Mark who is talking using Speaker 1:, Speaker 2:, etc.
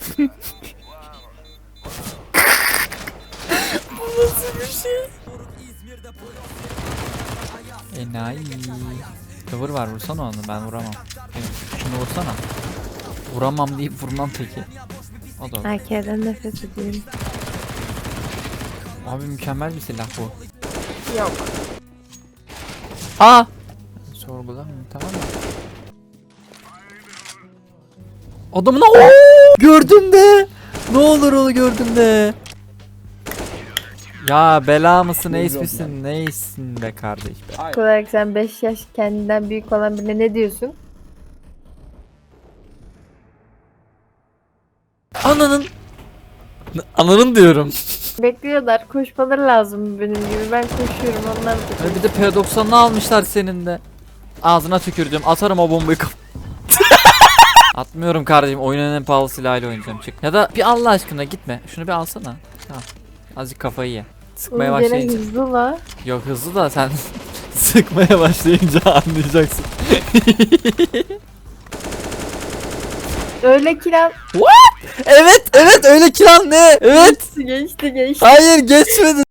Speaker 1: Bu nasıl bir şey? Enayi. Cover var, vursana onu, ben vuramam. Şunu vursana. Vuramam deyip vurmam peki. O da olur.
Speaker 2: Erkeğden nefret ediyorum.
Speaker 1: Abi mükemmel bir silah bu.
Speaker 2: Yok.
Speaker 1: Aa! Sorgulamıyorum, tamam mı? Adamına ooo! Gördüm de! Ne olur onu gördüm de! Ya bela mısın, ace misin, neysin be kardeş be?
Speaker 2: Olarak sen 5 yaş kendinden büyük olan birine ne diyorsun?
Speaker 1: Ananın! Ananın diyorum.
Speaker 2: Bekliyorlar. Koşmaları lazım benim gibi. Ben koşuyorum. Onlar da
Speaker 1: Bir de P90'ını almışlar senin de. Ağzına tükürdüm. Atarım o bombayı Atmıyorum kardeşim. Oyunun en pahalı silahıyla oynayacağım, çık. Ya da bir Allah aşkına gitme. Şunu bir alsana. Tamam. Azıcık kafayı ye. Sıkmaya
Speaker 2: Oğlum gene
Speaker 1: başlayınca.
Speaker 2: hızlı la.
Speaker 1: Yok hızlı da sen sıkmaya başlayınca anlayacaksın.
Speaker 2: Öyle kiral.
Speaker 1: Evet öyle kiran ne? Evet.
Speaker 2: Geçti.
Speaker 1: Hayır geçmedi.